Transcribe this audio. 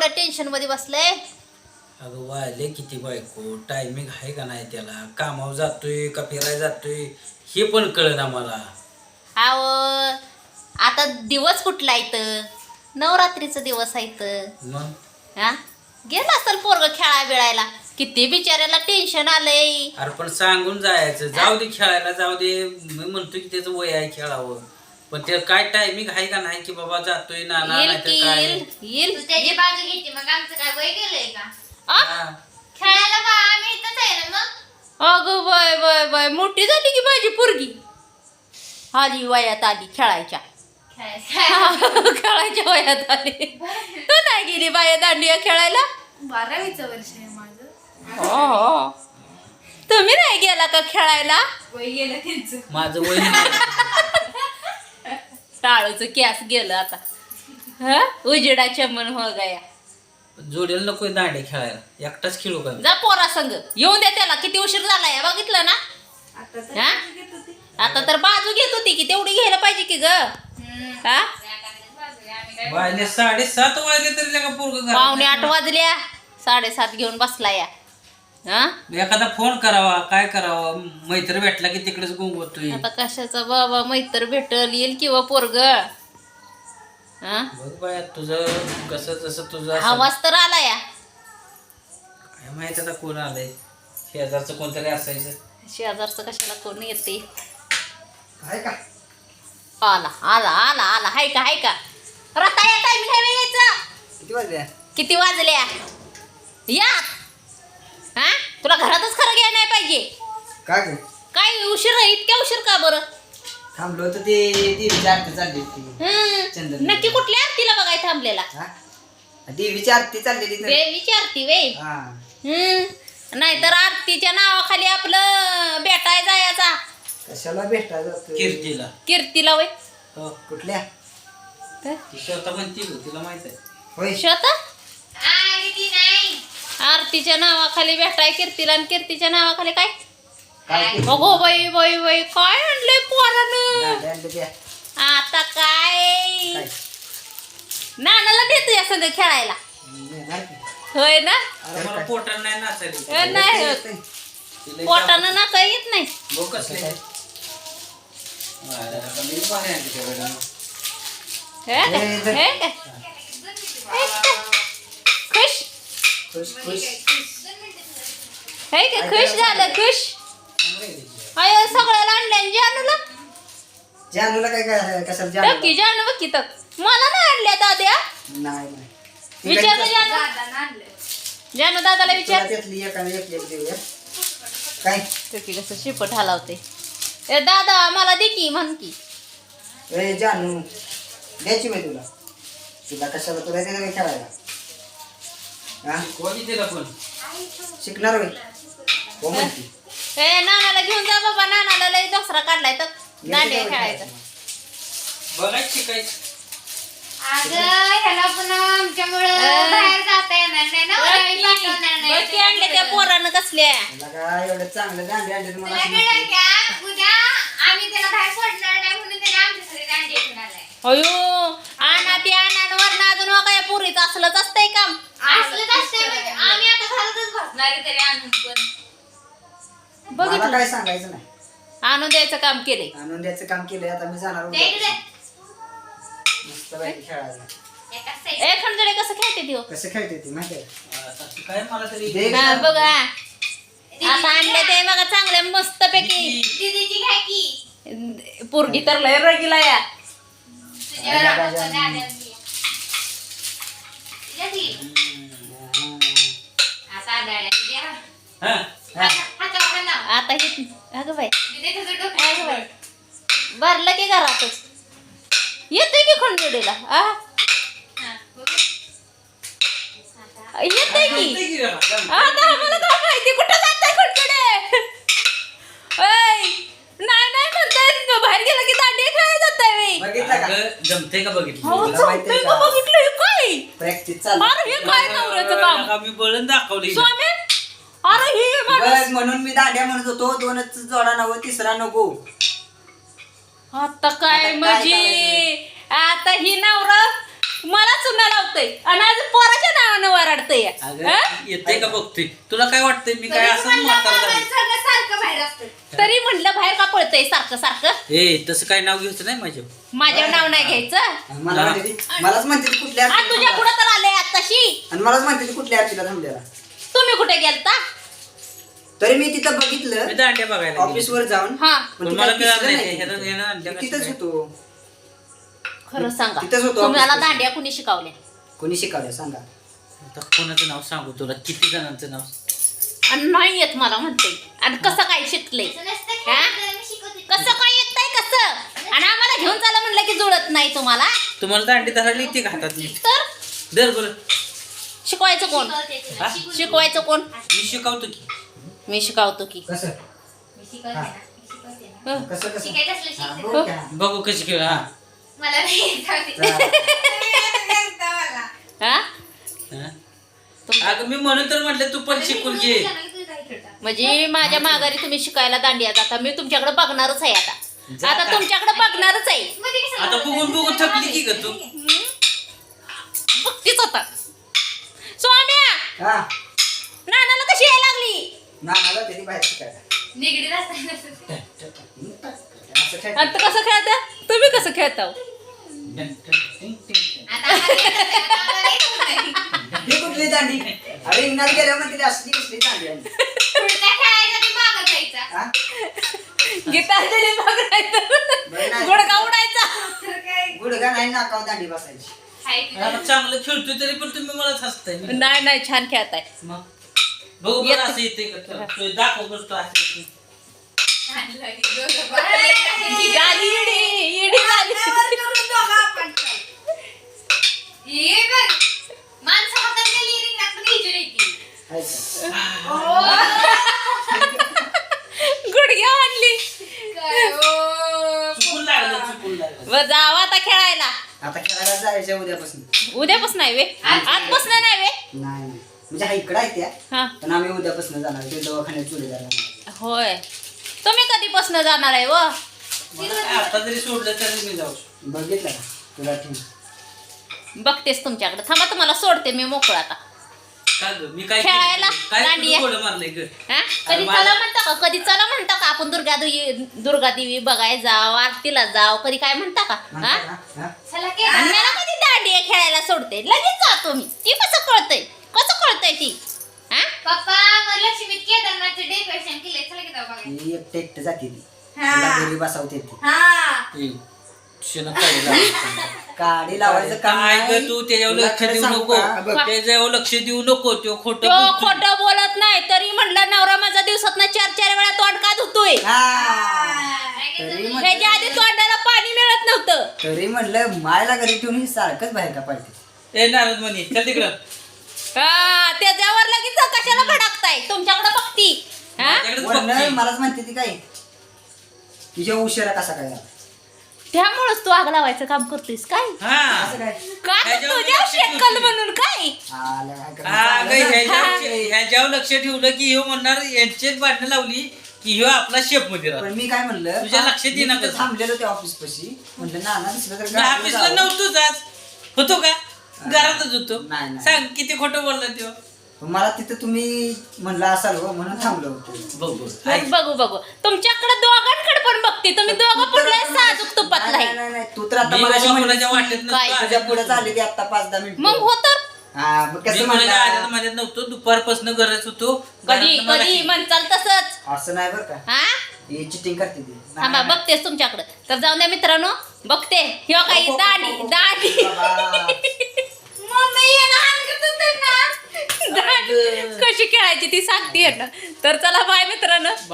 Tension मध्ये बसलंय? अगं वायले किती बायको, टायमिंग आहे का नाही त्याला, कामावर जातोय का फिरायला जातोय हे पण कळना मला. आव आता दिवस कुठला इथं? नवरात्रीचा दिवस आहे इथं. मग हा गेला असेल पोरग खेळायला बिळायला. किती बिचाऱ्याला टेन्शन आलंय. अरे पण सांगून जायचं, जाऊ दे खेळायला जाऊ दे. मी म्हणतो की त्याचं वय आहे खेळावं, पण ते काय टायमिंग आहे का नाही की बाबा जातोय नाना येईल नाही की तर काय. येईल. तू त्याची बाजू घ्यायची. मग आमचं काय वय गेलंय का? हा. खेळायला बा आम्ही इथंच आहे ना मग. अगं बाय बाय बाय, मोठी झाली की माझी पोरगी. आली वयात आली खेळायच्या. खेळायच्या वयात आली. तू नाही गेली बाया दांडिया खेळायला? 12वीचं वर्ष आहे माझं. हो. तुम्ही नाही गेला का खेळायला? वय गेलं त्यांचं. माझं वय नाही. टाळूचं कॅस गेलं आता. ह उजेडाच्या मन हो गया. जोडीला नको दांडे खेळायला, एकटाच खेळू का? जा पोरा संग येऊन द्या त्याला. किती उशीर झालाय बघितलं ना. आता तर हा? घेत होती. आता तर बाजू घेत होती की तेवढी घ्यायला पाहिजे की ग. हा वाजले 7:30 वाजले तरी का पोरग 7:45 वाजल्या. 7:30 घेऊन बसला या. हा एखादा फोन करावा, काय करावा, मैत्र भेटला की तिकडेच गुंगवतोय. आता कशाचा बाबा मैत्र भेटल येईल किंवा पोरग. हा बघ बाया तुझं कसं जसं तुझं असं. आवाज तर आला या. काय माहित आता कोण आलंय, शेजारचं कोणतरी असायचं. शेजारचं कशाला कोण येते. आहे का? आला आला आला आला. हाय का हाय का रता या टायमिंग आहे यायचं. किती वाजले? किती वाजल्या या. हा तुला घरातच खरं घ्यायला नाही पाहिजे. काय ग? काय उशीर आहे? इतक्या उशीर का बरं? थांबलो होतं ते देवीची आरती चालली होती. चंदन. नक्की कुठल्या आरतीला बघाय थांबलेला? हा? देवीची आरती चाललेली तर. विचारती वे. हा. नाहीतर आरतीच्या नावाखाली आपलं भेटाय जायचा. कशाला भेटायला जातोय? कीर्तीला. कीर्तीला वय. हो कुठल्या? ती स्वतः म्हणती गं, तिला माहित आहे. होय. स्वतः आणि ती नाही. आरतीच्या नावाखाली भेटाय कीर्तीला आणि कीर्तीच्या नावाखाली काय? काय ते? अगो बाई बाई बाई काय आणलंय पोरानं. दांड्या आणलं त्या. आता काय काय? नानाला देतो या संग खेळायला. येणार की? होय ना. अरे मला पोटानं नाही नाचायली. नाही होत. येतंय. तिला पोटानं ना काही येत नाही. बघ कसले. अरे, आता मी पाणी आणते त्याकडनं. हे काय? हे जर- हे काय? हे काय? खुश खुश खुश. हे काय खुश झालं खुश. अय सगळ्याला आणल्या जानूला. जानूला काय काय कशाला जानू? टक्की जानू बघ की तर मला नाही आणल्या दाद्या. नाही नाही. विचारलं जानू. दादानं आणलंय. जानू दादाला तुला विचार. त्यातली एकाने एक एक देऊया. काय? टक्की कसं शिपट हलावते. ए दादा मला दे की म्हण की. ए जानू द्यायची मी तुला. तुला कशाला तुला देणार मी खेळायला? हा? कोणी तिला पण शिकणार होय? हो म्हणती. ए नानाला घेऊन जा बाबा. नानाला लय दसरा काढलाय तर दांडिया खेळायचा. बघायचं शिकायचं. अगं ह्याला पण आमच्यामुळं बाहेर जाता येणार नाही ना. आम्ही पाठवणार नाही. बघ की आणले त्या पोरानं कसल्या. तुला काय एवढं चांगलं दांडे आणले तुला मला कळलं का? उद्या आम्ही त्याला बाहेर सोडणार नाही म्हणून त्याने आमच्यासाठी दांडिया घेऊन आलाय. अयो आणा ती आणून अजून काय पुरीच असलंच असतंय काम. असलंच असतंय म्हणजे आम्ही आता घरातच बसणार आहे तरी आणून पण. मला बघितलं काय सांगायचं नाही. आणून द्यायचं काम केलंय. आणून द्यायचं काम केलंय. आता मी जाणार त्या इकडे उद्या. मस्त पैकी खेळायला. एका side. ए खंडोळे कसं खेळते ती हो? कसं खेळते ती माहिती आहे? आता तू काय मला तरी दे हा, गं. बघा आता आणले ते बघा चांगले मस्त पैकी. दीदीची घ्या की. पोरगी तर लय रगीला या. तुझ्या दादाला द्या. तुझ्या ती. आता आढळल्या. द्या. हा हातावर हात लाव. आता हे अगं बाई दीदी तुझं डोकं. अगं बाई भरलं की घरातच येतोय की खंडोळीला. हा, बघू. येतोय की. माहिती की रे? आता आम्हाला काय माहिती कुठं जाताय खंडोळे. ओय नाही नाही म्हणताय बाहेर गेला की दांडिया खेळायला जाताय बाई. बघितलं का? अगं, जमतंय का बघितलं हो तुला माहिती चालतंय आहे का का? बघितलं हे काय. प्रॅक्टिस चालू. अरे हे काय नवऱ्याचं काम. का मी बळण दाखवली स्वामी अरे हे माणूस. बस म्हणून मी दांड्या म्हणत होतो. 2च जोडा नको, तिसरा नको. आता काय आता काय म्हणजे आता ही नवरा मला चुना लावतोय आणि आज पोराच्या नावानं वराडतय अगं येते का बघतोय तुला काय वाटतंय मी काय असं म्हातारा झालो? सारखं बाहेर असतं. तरी म्हणलं बाहेर का पळतय सारखं सारखं ए तसं काय नाव घ्यायचं नाही माझ्या माझ्यावर नाव नाही घ्यायचं मला म्हणते मलाच म्हणते ती कुठल्या आणि तुझ्या आरतीला पुढं तर आले आताशी आणि मलाच म्हणते ती कुठल्या आरतीला थांबलेला. तुम्ही कुठे गेलता तरी मी तिथं मी बघितलं दांड्या बघायला ऑफिसवर जाऊन हा पण पण ती मला काय कळलं दिसलं नाही नाही ह्यानं- तिथं. ह्यानं आणलं मी तिथंच कसं होतो. खरं सांगा तिथंच होतो तुम्हाला ऑफिसपाशी. दांड्या कुणी शिकवल्या कोणी शिकवलं सांगा. आता कोणाचं नाव सांगू तुला किती जणांचं नाव आणि नाही येत मला म्हणते आणि कसं काय शिकले असं नसतं की हा? मी शिकवते. कसं काय येत नाही कसं आणि आम्हाला घेऊन चाला म्हणलं की जुळत नाही तुम्हाला तुम्हाला दांडी धरायला येते का हातात मी तर दर बरं शिकवायचं कोण शिकवते तुला, हा? शिकवते. शिकवायचं कोण मी शिकवतो की मी शिकवतो की कसं मी शिकवते ना, मी शिकवते ना. हं. कसं कसं शिकायचं असलं हा, शिकते. बघू का? बघू कशी खेळ हा मला नाही येत जाऊ दे. जा. हा हा? तुम- अगं मी म्हणून तर म्हटलं तू पण शिकून घे म्हणजे माझ्या माघारी तुम्ही शिकायला दांडिया जाता मी तुमच्याकडे बघणारच आहे आता जा आता का? तुमच्याकडे बघणारच आहे आता बघून बघून थकली की ग तू बघतीच होता सोन्या हा नानाला कशी यायला लागली नानाला त्याची बाहेर शिकायला निगडीत असताना. असं काय आता कसं खेळता तुम्ही कसं खेळता हो? आता आम्हाला येत नाही. ही कुठली दांडी अरे इंगणात गेल्यावर म्हणते असली कसली दांडी आहे. पुढच्या खेळायचा ती मागं जायचा. हा? गीतांजली बघायचं बरं नाही. गुडगा उडायचा तर काय गुडघा नाही नाकावर दांडी बसायची. आहे ती. आता चांगलं खेळतोय तरी पण तुम्ही मला हसताय नाही नाही छान खेळताय मग बघू बरं असं येते का खेळ? दाखव बसतो असं छान लागली दोघं पण. गाली इडी इडी गाली ये बघ. माणसं हातात गेली रिंगात पण हिजर येते. आहे का? गुडघ्या आणली काय हो. चुकून लागलं चुकून लागलं व जावा आता खेळायला आता खेळायला जायचं उद्यापासून. उद्यापासून नाही वे आजपासून नाही वे नाही नाही म्हणजे हा इकडं आहे त्या हा पण आम्ही उद्यापासून जाणार ते दवाखान्यात जोडीदार राहणार. होय तुम्ही कधीपासून जाणार आहे व मला काय आता जरी सोडलं तरी मी जाऊ शकतो. बघितलं का तुला ठेव बघतेस तुमच्याकडे थांबा तुम्हाला सोडते मी मोकळा आता काय गं? मी काय खेळायला? केलं? काय दांडिया? तुला गोडं मारलंय ग हा कधी मला- चला म्हणता का कधी चला म्हणता का आपण दुर्गा देवी बघायला जाव आरतीला जाव कधी काय म्हणता का हा म्हणता का? हा? चला की. आणि मला कधी दांडिया खेळायला सोडते लगेच जातो मी ती कसं कळतंय ती हा पप्पा मला लक्ष्मीत केदारनाथचं डेकोरेशन केलंय. चला की जाऊ बघायला. ती एकटे एकटे जाते ती तिला घरी बसवते ती ए, शेणं काढी लावायचं. काडी लावायचं काम काय नाही. ग तू त्याच्यावर तुला लक्ष खरं देऊ सांगू नको का? बघ, त्याच्यावर लक्ष देऊ नको तो खोटं तो बोलतोय. खोटं बोलत नाही तरी म्हणलं नवरा माझा दिवसात 4 वेळा तोंड का धुतोय हा. तरी ह्याच्या आधी तोंडाला पाणी मिळत नव्हतं तरी म्हटलं मायला घरी ठेवून ही सारखंच बाहेर का पडते. ए नारद म्हणे चल तिकडं हा त्याच्यावर लगेच कशाला भडकताय तुमच्याकडे बघती हा माझ्याकडेच वरनं बघतोय. मलाच म्हणते ती काय तुझ्या उशिरा कसा काय आला? त्यामुळेच तू आग लावायचं काम करतोयस काय हा असं काय का ह्याच्यावर तुझ्या लक्ष शेकल ठेवते. म्हणून काय आलं काय करणार? हा ग चांगलं ना. ह्याच्यावर लक्ष ठेवलं की ह्यो म्हणणार यांचेच भांडणं लावली की ह्यो आपला शेप मध्ये राहतो. पण मी काय म्हणलं तुझ्या लक्षात येईना मी तिथं कसं? थांबलेलो त्या ऑफिस पाशी म्हणलं नाना दिसलं तर मी गाडीवर ऑफिसला जावं. नव्हतोच आज होतो का घरातच होतो नाही, नाही. सांग किती खोटं बोलला तेव्हा पण मला तिथं तुम्ही म्हणलं असाल हो म्हणून थांबलो होतो. बघ मग बघू तुमच्याकडे दोघांकडे पण बघते तुम्ही दोघं पुढल्या साजूक तुपातला नाही, आहे नाही, नाही, तू तर आता मी मला बाबा कोणाच्या वाटेत काय? नसतो तुझ्या पुढे चालली ती आता 5-10 मिनिट मग हो तर हा मग मी कसं कोणाच्या आल्यात म्हणलं माझ्यात नव्हतो दुपारपासून गरज होतो कधी घरातनं मला कधी म्हणचाल तसंच असं नाही बरं का हा ही चिटिंग करते ती थांबा बघतेस तुमच्याकडे तर जाऊन द्या मित्रांनो बघते ह्यो काही दाढी दाढी बाबा. मम्मी ये ना, हाणकत होते ना. दाढी कशी खेळायची ती सांगते ना तर चला बाय मित्रांनो